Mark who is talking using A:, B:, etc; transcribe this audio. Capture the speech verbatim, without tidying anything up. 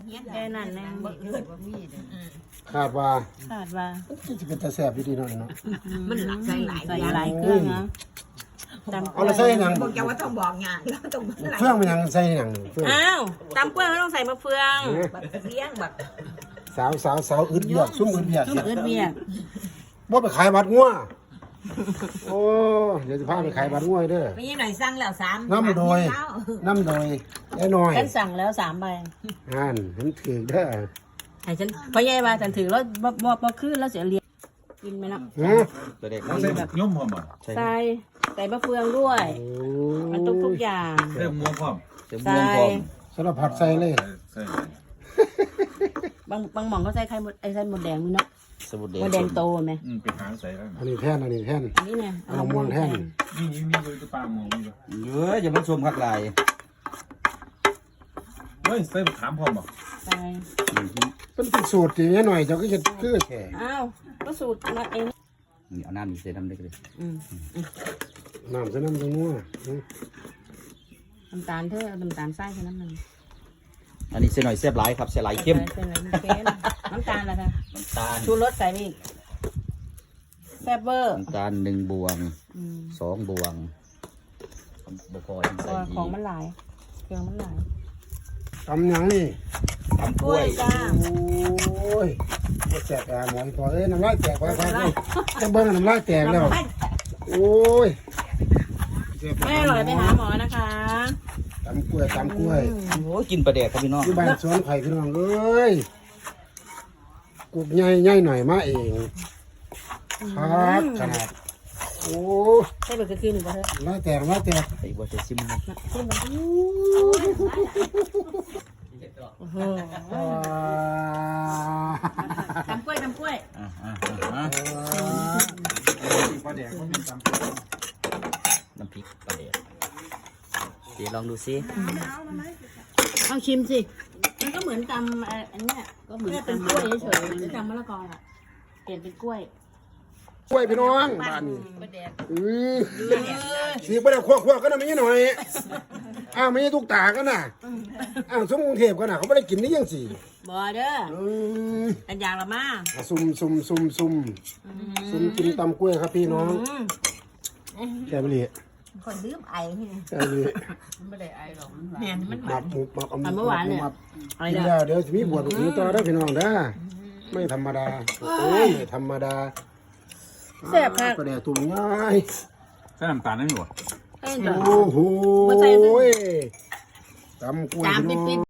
A: แค่นั้นแน่
B: ขาดว่า
A: ขาดว่า
B: จะเป็นตาแสบดีๆหน่อยเนาะ
C: มันหลักใส่หลาย
A: ใส่หลายเครื่องนะตำ
B: เอาละใส่หนัง
C: บอกจะว่าต้องบอกงานแล้วต้อง
B: เฟื่องมันยังใส่หนังเฟื่อง
A: อ้าวตำกล้วยไม่ต้องใส่มะเฟือง
C: แบบเลี้ยงแบบ
B: สาวสาวสาวอึดเบียกซุ่มอึดเบียก
A: ซุปเอิดเบียก
B: บ่ไปขายบัตรงัวโอ้เดี๋ยวจะพาไปขายบัตรงัวเด้อ
C: ไม่ยังหน่อยสั่งแล้วสาม
B: น้ำโดยน้ำโดยไอ้น้อย
A: ฉันสั่งแล้วสามใบ
B: อ่านฉันถือเด้อ
A: ให้ฉันพอใหญ่ว่าฉันถือแล้วบ่บ่บ่ขึ้นแล้วเสียเรียนกินไหมนะ
B: ฮะ
D: ตัวเด็ก
E: ใส่ย่อมพร้อมบ่
A: ใส่ใส่มะเฟืองด้วย
B: โอ้
A: มันทุกทุกอย่าง
E: ใส่หมูพร้อม
D: เต็มวงพร้อม
B: สารพัดใส่เลย
E: ใส่
A: บางบางหม่องเขาใส่ไข่มดไอ้ไข่มดแดงนี่เนาะ
D: สมุดแด
A: มดแดงโตไหม
E: อืมไปหาใส่แล้ว
B: อันนี้แท่นอันนี้แท่น
A: อันนี้เนี่ย
B: เอาม่วงแท่น
E: นี่นี่นี่คือปลาหมูนี่
D: เยอะอย่ามาชมคักลาย
E: เฮ้ยใส่ถามพร้อมบ่
A: ใส่
B: เป็นเป็นสูตรอย่างนี้หน่อยเจ้าก็จะคือแค่
A: อ้าวก็สูตรมาเอง
D: นี่เอาน้ำนี่ใส่น้ำได้ก็เลย
A: อืม
B: น้ำใส่น้ำจังงัว
A: น้ำตาลเธอเอาน้ำตาลใส่แค่นั้นหนึ่ง
D: อันนี้ใส่หน่อยเสียบหลายครับใส่หลายเข้ม
A: ใส่เลยเค็มน้ำตาลละค่ะ
D: น้ำตาล
A: ชูรสใส่ไปอีกแซ่บเบอร์
D: น้ำตาลหนึ่งบวง
A: อืม
D: สองบวงบพอยัง
A: เพ
D: ใส่
A: ราะว่า
D: ดี
A: ของมันหลายเครื่องมันหลาย
B: ตำหยังนี่
D: ทำกล้วย
A: จ้า
B: โอ้ยแตกอ่ะหมอพอเอ้ยน้ำลายแตกไปไปไปจะเบิ้งน้ำลายแตกแล้วโอ้ย
A: ไม่อร่อยไปหาหมอนะคะ
B: ตำกล้วยตำกล้วย
D: โอ้ยกินปลาแดกครับพี่น้อง
B: ที่บ้านสวนไข่พี่น้องเอ้ยกุกใหญ่ใหญ่หน่อยมาเองครับขนาดโอ้
A: ใช่เบอร์คือคือหนึ่งป่ะเธอ
B: น้ำลายแตกน้ำลายแตก
D: ไอ้บัวจะซิมนะ
A: ที่มันโอ้โห
B: อ่า
A: ทำกล้วยทำกล้วย
D: อ่าอ่าอ่า
B: ปลาแดกก็มีตำ
D: น้ำพริกปลาแดกเดี๋ยวลองดูซิ
A: เอาชิมสิมันก็เหมือนตำเอ่ออันเนี้ยก็เหมือนเป็นกล้วยเฉยๆตำมะละกออ่ะเปลี่ยนเป็นกล้วย
B: กล้วยพี่น้องบ้านนี้
A: กล้วยแดง
B: อือสีปลาแดกคั่วๆก็น่ะไม่ใช่หน่อยอ้าวไม่ใช่ทุกตากันน่ะอ้าวสมกรุงเทพกันน่ะเขาไม่ได้กินนี่ยังสี่
A: บอเด้อ
B: อืม
A: อันอย่างละมา
B: อ่ะซุ่มซุ่มซุ่มซุ่มซุ่มกินตำกล้วยครับพี่น้อง
A: อืม
B: แกบลี
C: คนลืมไอ้ที่
B: แกบลี
A: เนี่ยมันห
B: มั
A: วา
B: บ
A: น
B: หมุบมับ
A: มันเมื่อวานเนี่ย
B: มับ
A: อะไร
B: กิน
A: เด้
B: แล้
A: อ
B: วเดี๋ยวจะมีบวชอีกต่อได้อพี่น้องเด้อไม่ธรรมดาโอ้ยไม่ธรรมดา
A: แซ่บค่ะ
B: ปลาแดกตุ่มง่าย
E: ใส่น้ำตาลได้ไหมวะ
A: เอ้ยจ้ะ
B: โอ้โห
A: บ่ใส่
B: ตำกล้วย
A: จาม
B: พี่
A: ปิ
B: น้
A: ด
B: อง